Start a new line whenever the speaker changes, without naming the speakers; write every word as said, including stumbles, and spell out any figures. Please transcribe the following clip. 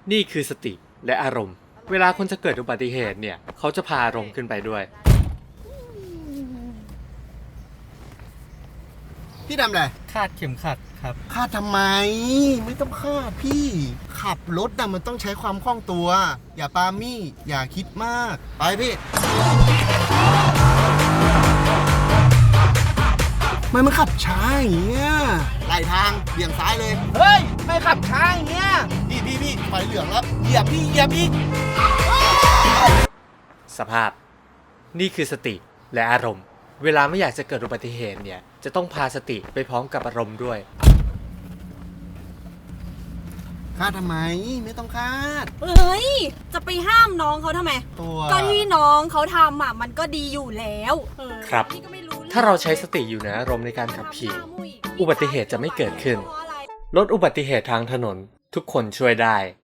นี่คือสติและอารมณ์เวลาคนจะเกิดอุบัติเหตุเนี่ยเขาจะพาอารมณ์ขึ้นไปด้วย
พี่ทำอะไร
คาดเข็มขัดครับ
คาดทำไมไม่ต้องคาดพี่ขับรถนะมันต้องใช้ความคล่องตัวอย่าปามี่อย่าคิดมากไปพี่มันมันขับช้าอย่างเงี้ยไหลทางเบี่ยงซ้ายเลยเฮ้ยไม่ขับช้าอย่างเงี้ยพี่พี่พี่ไฟเหลืองแล้วเหยียบพี่เหยียบอีก
สภาพนี่คือสติและอารมณ์เวลาไม่อยากจะเกิดอุบัติเหตุเนี่ยจะต้องพาสติไปพร้อมกับอารมณ์ด้วย
คาดทำไมไม่ต้องคาด
เฮ้ยจะไปห้ามน้องเขาทำไม
ตัว
ก็ที่น้องเขาทำอ่ะมันก็ดีอยู่แล้ว
ครับถ้าเราใช้สติอยู่ในอารมณ์ในการขับขี่อุบัติเหตุจะไม่เกิดขึ้นลดอุบัติเหตุทางถนนทุกคนช่วยได้